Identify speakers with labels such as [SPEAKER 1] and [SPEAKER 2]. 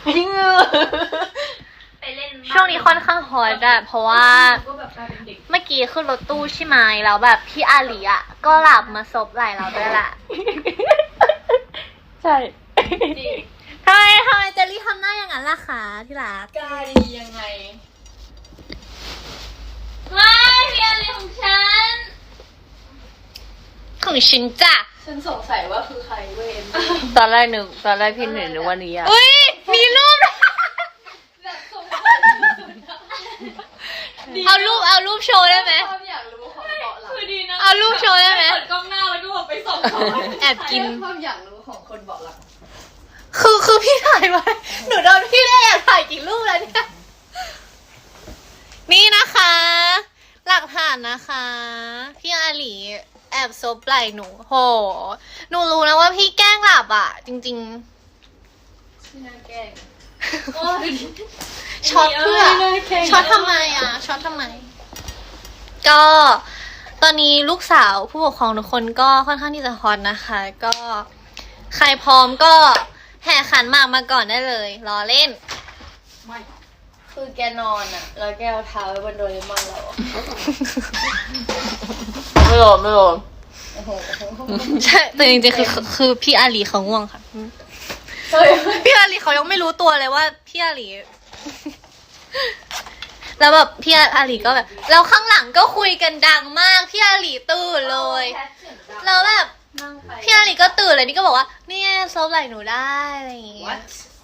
[SPEAKER 1] ไปเล่น
[SPEAKER 2] ช่วงนี้ค่อนข้างฮอตอะเพราะว่าเมื่อกี้ขึ้นรถตู้ใช่ไหมแล้วแบบพี่อาลีอะก็หลับมาซบไหล่เราด้วยแหละ
[SPEAKER 3] ใช่
[SPEAKER 2] ทำไมเจลลี่ทำหน้าอย่างนั้นล่ะคะที่รัก
[SPEAKER 3] กล้าดียังไง
[SPEAKER 1] ไม่พี่อาลีของฉัน
[SPEAKER 2] ของฉันจ้ะ
[SPEAKER 3] ฉันสงสัยว่าคือใครเว้ย
[SPEAKER 4] ตอนแรกพี่เห็นนึกว่านี้อะ
[SPEAKER 2] อุ้ยมีรูป
[SPEAKER 3] แบบสงสัยที่สุด
[SPEAKER 2] เอารูปโชว์ได้ไหม
[SPEAKER 3] ความอยากรู้ของเบาะหลัง
[SPEAKER 1] คือดีนะ
[SPEAKER 2] เอารูปโชว์ได้ไหม
[SPEAKER 1] เปิดกล้องหน้าแล้วก็แบบไปส่องเขา
[SPEAKER 2] แอบกิน
[SPEAKER 3] ความอยากรู้ของคนเบาะหลัง
[SPEAKER 2] คือพี่ถ่ายไว้ หนูโดนพี่ได้แอบถ่ายกี่รูปแล้วเนี่ย นี่นะคะ หลักฐานนะคะ พี่อาหลีแอบซบไหล่หนูโห หนูรู้นะว่าพี่แกล้งหลับอ่ะ จริง
[SPEAKER 3] ที่น่าแกล้ง
[SPEAKER 2] ๆช็อตเพื่อช็อตทำไมอ่ะช็อตทำไม ก็ตอนนี้ลูกสาวผู้ปกครองทุกคนก็ค่อนข้างที่จะฮอตนะคะ ก็ใครพร้อมก็แห่ขันหมากมาก่อนได้เลยรอเล่น
[SPEAKER 3] คือแกนอนอะแล้วแกเอาเท้าไว้บนโดเรมอนเราอะ
[SPEAKER 4] ไม่โดน
[SPEAKER 3] โอ้โห
[SPEAKER 2] ใช่แต่จริงๆคือพี่อาลีเขาง่วงค่ะ
[SPEAKER 3] เฮ้ย
[SPEAKER 2] พี่อาลีเขายังไม่รู้ตัวเลยว่าพี่อาลี แล้วแบบพี่อาลีก็แบบแล้วข้างหลังก็คุยกันดังมากพี่อาลีตื่นเลยแล้วแบบ
[SPEAKER 3] นั่งไป
[SPEAKER 2] พี่อาลีก็ตื่นเลยนี่ก็บอกว่าเนี่ยซบไหล่หนูได้อะไรอย่างเงี้ย
[SPEAKER 3] What